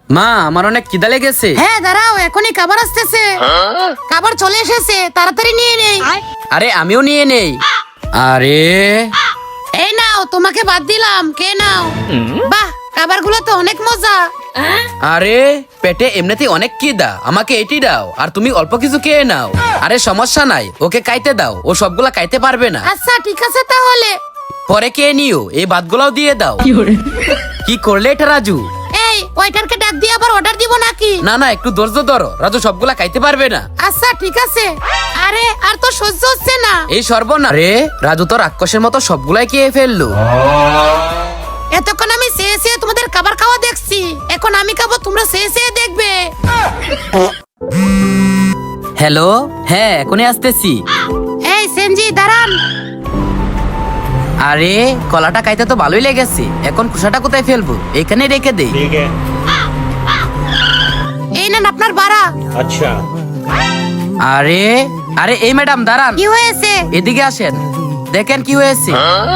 মা আমার অনেক খিদা লেগেছে। হ্যাঁ দাঁড়াও, এখনই খাবার আসতেছে। খাবার চলে এসেছে, তাড়াতাড়ি নিয়ে নেই। আরে আমিও নিয়ে নেই। আরে এই নাও, তোমাকে বাদ দিলাম, কে নাও। বাহ, খাবারগুলো তো অনেক মজা। আরে পেটে এমনিতেই অনেক খিদা, আমাকে এটি দাও আর তুমি অল্প কিছু খেয়ে নাও। আরে সমস্যা নাই, ওকে খাইতে দাও, ও সবগুলা খাইতে পারবে না। আচ্ছা ঠিক আছে তাহলে। পরে খেয়ে নিও, এই ভাতগুলাও দিয়ে দাও। কি করলে এটা রাজু? এই ওয়েটারকে ডাক দিয়ে আবার অর্ডার দিব নাকি? না না, একটু ধৈর্য ধরো, রাজু সবগুলা খাইতে পারবে না। আচ্ছা ঠিক আছে। আরে আর তো সহ্য হচ্ছে না। এই সর্বনাশ রে, রাজু তো রাক্ষসের মতো সবগুলাই খেয়ে ফেললো। এতক্ষণ আমি চেয়ে চেয়ে তোমাদের খাবার খাওয়া দেখছি, এখন আমি খাবো, তোমরা চেয়ে চেয়ে দেখবে। হ্যালো, হ্যাঁ এখনই আসতেছি। এই সেনজি দাঁড়ান। আরে কলাটা খাইতে তো ভালোই লেগেছে, এখন খোসাটা কোথায় ফেলবো? এখানে রেখে দে। ठीक है। এই নেন আপনার ভাড়া। अच्छा। আরে আরে এই ম্যাডাম দাঁড়ান, কি হয়েছে? এদিকে আসেন, দেখেন কি হয়েছে।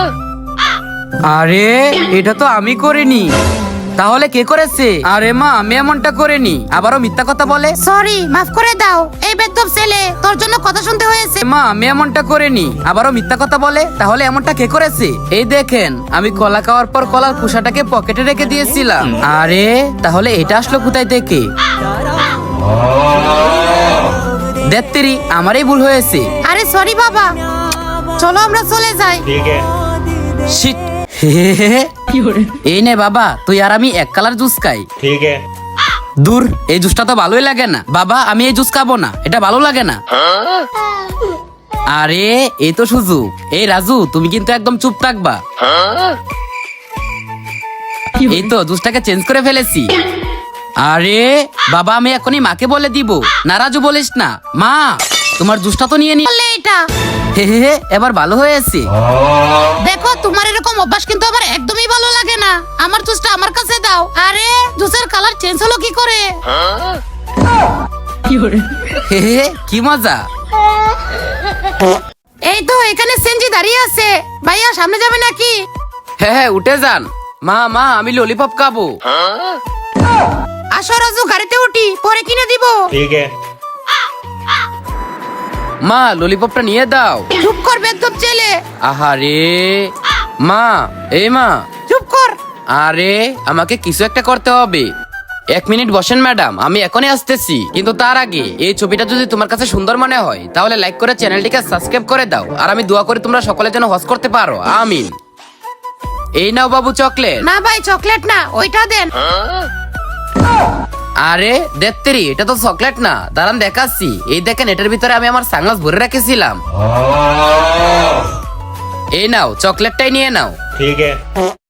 আরে এটা তো আমি করিনি, তাহলে কে করেছে? আরে মা আমি এমনটা করিনি, আবারও মিথ্যা কথা বলে। সরি, মাফ করে দাও। এই বেদব ছেলে, তোর জন্য কথা শুনতে হয়েছে। মা আমি এমনটা করিনি, আবারও মিথ্যা কথা বলে। তাহলে এমনটা কে করেছে? এই দেখেন, আমি কলা খাওয়ার পর কলার খোসাটাকে পকেটে রেখে দিয়েছিলাম। আরে তাহলে এটা আসলো কোথায় থেকে? দেত্তেরি, আমারই ভুল হয়েছে। আরে সরি বাবা, চলো আমরা চলে যাই। ठीक है। শিট। এই নে বাবা, তুই আর আমি এক কালার জুস খাই। ठीक है। দূর, এই জুসটা তো ভালোই লাগে না। বাবা আমি এই জুস খাবো না, এটা ভালো লাগে না। আরে এই তো সুযোগ। এই রাজু, তুমি কিন্তু একদম চুপ থাকবা। এই তো জুসটাকে চেঞ্জ করে ফেলেছি। আরে বাবা আমি এখনই মাকে বলে দিব। না রাজু বলিস না। মা তোমার জুসটা তো নিয়ে নি। বললে এটা। হে, এবার ভালো হয়েছে। দেখো, তোমার এরকম অভ্যাস কিন্তু আমার একদমই ভালো লাগে না। আমার জুসটা আমার কাছে দাও। আরে জুসের কালার চেঞ্জ হলো কি করে? হে, কি মজা। এই তো এখানে সেনজি দাঁড়িয়ে আছে। ভাইয়া সামনে যাবে নাকি? হ্যাঁ উঠে যান। মা আমি ললিপপ খাবো। আসো রাজু, গাড়িতে উঠি, পরে কিনে দিব। ठीक है। মা ললিপপটা নিয়ে দাও। চুপ কর বেদব ছেলে, আহারে মা, এই মা। চুপ কর। আরে আমাকে কিছু একটা করতে হবে। 1 মিনিট বসেন ম্যাডাম, আমি এখনই আসতেছি। কিন্তু তার আগে এই ছবিটা যদি তোমার কাছে সুন্দর মনে হয় তাহলে লাইক করে চ্যানেলটিকে সাবস্ক্রাইব করে দাও। আর আমি দোয়া করি তোমরা সকলে যেন হজ করতে পারো, আমিন। এই নাও বাবু চকলেট। না ভাই, চকলেট না, ওইটা দেন। আরে দেত্তেরি, এটা তো চকলেট না, দাঁড়ান দেখাচ্ছি। এই দেখেন, এটার ভিতরে আমি আমার সানগ্লাস ভরে রেখেছিলাম। এই নাও চকলেটটাই নিয়ে নাও। ठीक है।